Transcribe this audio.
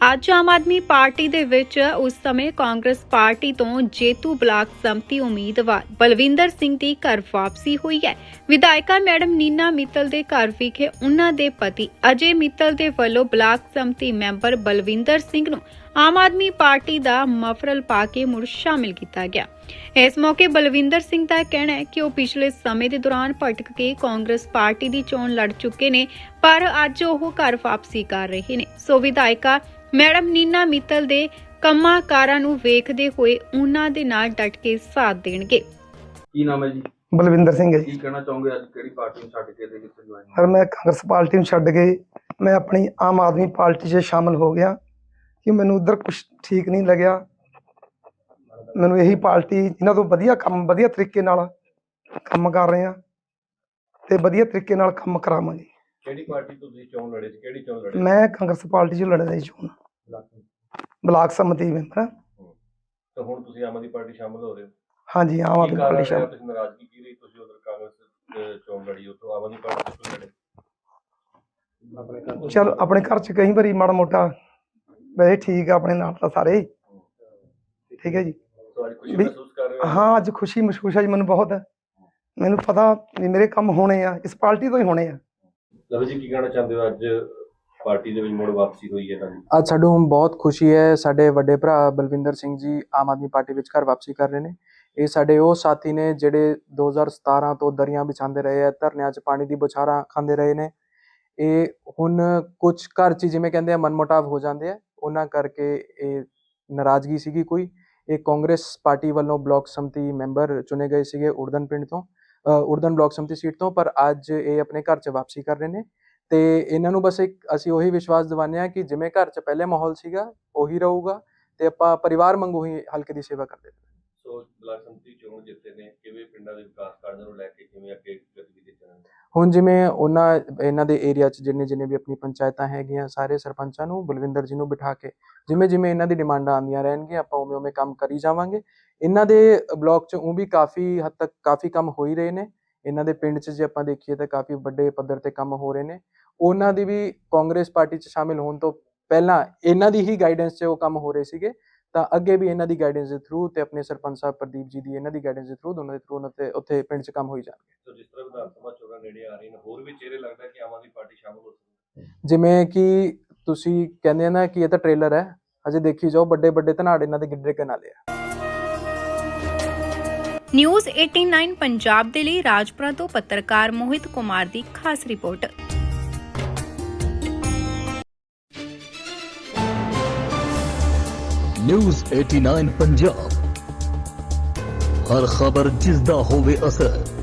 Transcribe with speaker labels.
Speaker 1: ਅੱਜ ਆਮ ਆਦਮੀ ਪਾਰਟੀ ਦੇ ਵਿੱਚ ਉਸ ਸਮੇਂ ਕਾਂਗਰਸ ਪਾਰਟੀ ਤੋਂ ਜੇਤੂ ਬਲਾਕ ਸੰਮਤੀ ਉਮੀਦਵਾਰ ਬਲਵਿੰਦਰ ਸਿੰਘ ਦੀ ਘਰ ਵਾਪਸੀ ਹੋਈ ਹੈ। ਵਿਧਾਇਕਾ ਮੈਡਮ ਨੀਨਾ ਮਿੱਤਲ ਦੇ ਘਰ ਵਿਖੇ ਉਹਨਾਂ ਦੇ ਪਤੀ ਅਜੇ ਮਿੱਤਲ ਦੇ ਵੱਲੋਂ ਬਲਾਕ ਸੰਮਤੀ ਮੈਂਬਰ ਬਲਵਿੰਦਰ ਸਿੰਘ ਨੂੰ ਆਮ ਆਦਮੀ ਪਾਰਟੀ ਦਾ ਮਫਰਲ ਪਾ ਕੇ ਮੁੜ ਸ਼ਾਮਿਲ ਕੀਤਾ ਗਿਆ। ਇਸ ਮੌਕੇ ਬਲਵਿੰਦਰ ਸਿੰਘ ਦਾ ਕਹਿਣਾ ਹੈ ਕਿ ਉਹ ਪਿਛਲੇ ਸਮੇਂ ਦੇ ਦੌਰਾਨ ਭਟਕ ਕੇ ਕਾਂਗਰਸ ਪਾਰਟੀ ਦੀ ਚੋਣ ਲੜ ਚੁੱਕੇ ਨੇ, ਪਰ ਅੱਜ ਉਹ ਘਰ ਵਾਪਸੀ ਕਰ ਰਹੇ ਨੇ। ਸੋ ਵਿਧਾਇਕਾ ਮੈਡਮ ਨੀਨਾ ਮਿੱਤਲ ਦੇ ਕੰਮਾਂ ਕਾਰਾਂ ਨੂੰ ਵੇਖਦੇ ਹੋਏ ਉਹਨਾਂ ਦੇ ਨਾਲ ਡਟ ਕੇ ਸਾਥ ਦੇਣਗੇ।
Speaker 2: ਕੀ ਨਾਮ ਹੈ ਜੀ?
Speaker 3: ਬਲਵਿੰਦਰ ਸਿੰਘ ਹੈ ਜੀ।
Speaker 2: ਕੀ ਕਹਿਣਾ ਚਾਹੋਗੇ ਅੱਜ ਕਿਹੜੀ ਪਾਰਟੀ ਨੂੰ ਛੱਡ ਕੇ ਤੇ ਕਿੱਥੇ ਜੁਆਇਨ?
Speaker 3: ਸਰ ਮੈਂ ਕਾਂਗਰਸ ਪਾਰਟੀ ਨੂੰ ਛੱਡ ਕੇ ਮੈਂ ਆਪਣੀ ਆਮ ਆਦਮੀ ਪਾਰਟੀ 'ਚ ਸ਼ਾਮਲ ਹੋ ਗਿਆ ਕਿ ਮੈਨੂੰ ਉਧਰ ਕੁਝ ਠੀਕ ਨਹੀਂ ਲੱਗਿਆ। ਮੈਨੂੰ ਇਹੀ ਪਾਰਟੀ ਇਹਨਾਂ ਤੋਂ ਵਧੀਆ ਤਰੀਕੇ ਨਾਲ ਕੰਮ ਕਰ ਰਹੇ ਆ ਤੇ ਵਧੀਆ ਤਰੀਕੇ ਨਾਲ ਕੰਮ ਕਰਾਵਾਂਗੇ।
Speaker 2: ਕਿਹੜੀ ਪਾਰਟੀ ਤੋਂ ਤੁਸੀਂ ਚੋਣ ਲੜੇ ਸੀ? ਕਿਹੜੀ ਚੋਣ ਲੜੇ?
Speaker 3: ਮੈਂ ਕਾਂਗਰਸ ਪਾਰਟੀ 'ਚ ਲੜਦਾ ਜੀ ਚੋਣ, ਬਲਾਕ ਸੰਮਤੀ ਮੈਂਬਰ।
Speaker 2: ਤਾਂ ਹੁਣ ਤੁਸੀਂ ਆਮ ਆਦਮੀ ਪਾਰਟੀ ਸ਼ਾਮਲ ਹੋ ਰਹੇ ਹੋ?
Speaker 3: ਹਾਂਜੀ, ਆਮ ਆਦਮੀ ਪਾਰਟੀ ਸ਼ਾਮਲ।
Speaker 2: ਤੁਸੀਂ ਨਾਰਾਜ਼ਗੀ ਕੀ ਰਹੀ? ਤੁਸੀਂ ਉਧਰ ਕਾਂਗਰਸ ਚੋਣ ਲੜੀ, ਉੱਥੋਂ ਆਮ ਆਦਮੀ ਪਾਰਟੀ ਤੋਂ ਲੜੇ।
Speaker 3: ਚਲ ਆਪਣੇ ਘਰ 'ਚ ਕਈ ਵਾਰੀ ਮਾੜਾ ਮੋਟਾ ਵੈਸੇ ਠੀਕ ਆ, ਆਪਣੇ ਨਾਲ ਤਾਂ ਸਾਰੇ ਠੀਕ ਹੈ ਜੀ।
Speaker 2: ਖੁਸ਼ੀ ਮਹਿਸੂਸ ਕਰ ਰਹੇ ਹੋ?
Speaker 3: ਹਾਂ, ਅੱਜ ਖੁਸ਼ੀ ਮਹਿਸੂਸ ਹੈ ਜੀ ਮੈਨੂੰ ਬਹੁਤ। ਮੈਨੂੰ ਪਤਾ ਵੀ ਮੇਰੇ ਕੰਮ ਹੋਣੇ ਆ, ਇਸ ਪਾਰਟੀ ਤੋਂ ਹੀ ਹੋਣੇ ਆ।
Speaker 2: ਲਵ ਜੀ, ਕੀ ਕਹਿਣਾ ਚਾਹੁੰਦੇ ਹੋ? ਅੱਜ ਪਾਰਟੀ ਦੇ ਵਿੱਚ ਮੁੜ ਵਾਪਸੀ ਹੋਈ ਹੈ ਤੁਹਾਡੀ।
Speaker 4: ਅੱਜ ਸਾਨੂੰ ਬਹੁਤ ਖੁਸ਼ੀ ਹੈ। ਸਾਡੇ ਵੱਡੇ ਭਰਾ ਬਲਵਿੰਦਰ ਸਿੰਘ ਜੀ ਆਮ ਆਦਮੀ ਪਾਰਟੀ ਵਿੱਚ ਘਰ ਵਾਪਸੀ ਕਰ ਰਹੇ ਨੇ। ਇਹ ਸਾਡੇ ਉਹ ਸਾਥੀ ਨੇ ਜਿਹੜੇ 2017 ਤੋਂ ਦਰੀਆਂ ਵਿਛਾਉਂਦੇ ਰਹੇ ਆ, ਧਰਨਿਆਂ 'ਚ ਪਾਣੀ ਦੀ ਬੁਛਾਰਾਂ ਖਾਂਦੇ ਰਹੇ ਨੇ। ਇਹ ਹੁਣ ਕੁਝ ਘਰ 'ਚ ਜਿਵੇਂ ਕਹਿੰਦੇ ਆ ਮਨਮੁਟਾਵ ਹੋ ਜਾਂਦੇ ਆ, ਉਹਨਾਂ ਕਰਕੇ ਇਹ ਨਾਰਾਜ਼ਗੀ ਸੀਗੀ ਕੋਈ। ਇਹ ਕਾਂਗਰਸ ਪਾਰਟੀ ਵੱਲੋਂ ਬਲਾਕ ਸੰਮਤੀ ਮੈਂਬਰ ਚੁਣੇ ਗਏ ਸੀਗੇ ਉੜਦਨ ਪਿੰਡ ਤੋਂ, ਉੜਦਨ ਬਲਾਕ ਸੰਮਤੀ ਸੀਟ ਤੋਂ, ਪਰ ਅੱਜ ਇਹ ਆਪਣੇ ਘਰ 'ਚ ਵਾਪਸੀ ਕਰ ਰਹੇ ਨੇ। ਤੇ ਇਹਨਾਂ ਨੂੰ ਬਸ ਅਸੀਂ ਉਹੀ ਵਿਸ਼ਵਾਸ ਦਿਵਾਉਂਦੇ ਹਾਂ ਕਿ ਜਿਵੇਂ ਘਰ 'ਚ ਪਹਿਲੇ ਮਾਹੌਲ ਸੀਗਾ ਉਹੀ ਰਹੂਗਾ ਤੇ ਆਪਾਂ ਪਰਿਵਾਰ ਵਾਂਗੂ ਹੀ ਹਲਕੇ ਦੀ ਸੇਵਾ ਕਰਦੇ ਹਾਂ।
Speaker 2: ਸੋ ਬਲਾਕ ਸੰਮਤੀ ਚੋਣ ਜਿੱਤੇ ਨੇ, ਕਿਵੇਂ ਪਿੰਡਾਂ ਦੇ ਵਿਕਾਸ ਕਾਰਜਾਂ ਨੂੰ ਲੈ ਕੇ ਕਿਵੇਂ ਅੱਗੇ ਗਤੀਵਿਧੀ ਚੱਲਣਗੀਆਂ?
Speaker 4: ਹੁਣ ਜਿਵੇਂ ਇਹਨਾਂ ਦੇ ਏਰੀਆ 'ਚ ਜਿੰਨੇ ਵੀ ਆਪਣੀ ਪੰਚਾਇਤਾਂ ਹੈਗੀਆਂ, ਸਾਰੇ ਸਰਪੰਚਾਂ ਨੂੰ ਬਲਵਿੰਦਰ ਜੀ ਨੂੰ ਬਿਠਾ ਕੇ ਜਿਵੇਂ ਇਹਨਾਂ ਦੀ ਡਿਮਾਂਡਾਂ ਆਉਂਦੀਆਂ ਰਹਿਣਗੀਆਂ, ਆਪਾਂ ਉਵੇਂ ਕੰਮ ਕਰੀ ਜਾਵਾਂਗੇ। ਇਹਨਾਂ ਦੇ ਬਲਾਕ 'ਚ ਉਹ ਵੀ ਕਾਫੀ ਹੱਦ ਤੱਕ ਕਾਫੀ ਕੰਮ ਹੋ ਹੀ ਰਹੇ ਨੇ। ਇਹਨਾਂ ਦੇ ਪਿੰਡ 'ਚ ਜੇ ਆਪਾਂ ਦੇਖੀਏ ਤਾਂ ਕਾਫੀ ਵੱਡੇ ਪੱਧਰ ਤੇ ਕੰਮ ਹੋ ਰਹੇ ਨੇ। ਉਹਨਾਂ ਦੀ ਵੀ ਕਾਂਗਰਸ ਪਾਰਟੀ 'ਚ ਸ਼ਾਮਿਲ ਹੋਣ ਤੋਂ ਪਹਿਲਾਂ ਇਹਨਾਂ ਦੀ ਹੀ ਗਾਈਡੈਂਸ 'ਚ ਉਹ ਕੰਮ ਹੋ ਰਹੇ ਸੀਗੇ, ਤਾਂ ਅੱਗੇ ਵੀ ਇਹਨਾਂ ਦੀ ਗਾਈਡੈਂਸ ਦੇ ਥਰੂ ਤੇ ਆਪਣੇ ਸਰਪੰਚ ਸਾਹਿਬ ਪ੍ਰਦੀਪ ਜੀ ਦੀ ਇਹਨਾਂ ਦੀ ਗਾਈਡੈਂਸ ਦੇ ਥਰੂ, ਦੋਨਾਂ ਦੇ ਥਰੂ ਉੱਥੇ ਪਿੰਡ 'ਚ ਕੰਮ ਹੋਈ ਜਾਣਗੇ।
Speaker 2: ਸੋ ਜਿਸ ਤਰ੍ਹਾਂ ਵਿਧਾਨ ਸਭਾ ਚੋਣਾਂ ਨੇੜੇ ਆ ਰਹੀਆਂ ਨੇ, ਹੋਰ ਵੀ ਚਿਹਰੇ ਲੱਗਦਾ ਕਿ ਆਮ ਆਦਮੀ ਪਾਰਟੀ ਸ਼ਾਮਲ ਹੋ ਸਕਦੀ ਹੈ।
Speaker 4: ਜਿਵੇਂ ਕਿ ਤੁਸੀਂ ਕਹਿੰਦੇ ਆ ਨਾ ਕਿ ਇਹ ਤਾਂ ਟ੍ਰੇਲਰ ਹੈ, ਅਜੇ ਦੇਖੀ ਜਾਓ। ਵੱਡੇ ਧਨਾੜ ਇਹਨਾਂ ਦੇ ਗਿੱਡਰੇ ਕੇ ਨਾਲੇ ਆ।
Speaker 1: ਨਿਊਜ਼ 89 ਪੰਜਾਬ ਦੇ ਲਈ ਰਾਜਪੁਰਾ ਤੋਂ ਪੱਤਰਕਾਰ ਮੋਹਿਤ ਕੁਮਾਰ ਦੀ ਖਾਸ ਰਿਪੋਰਟ।
Speaker 5: न्यूज़ 89 पंजाब, हर खबर जिसदा होवे असर।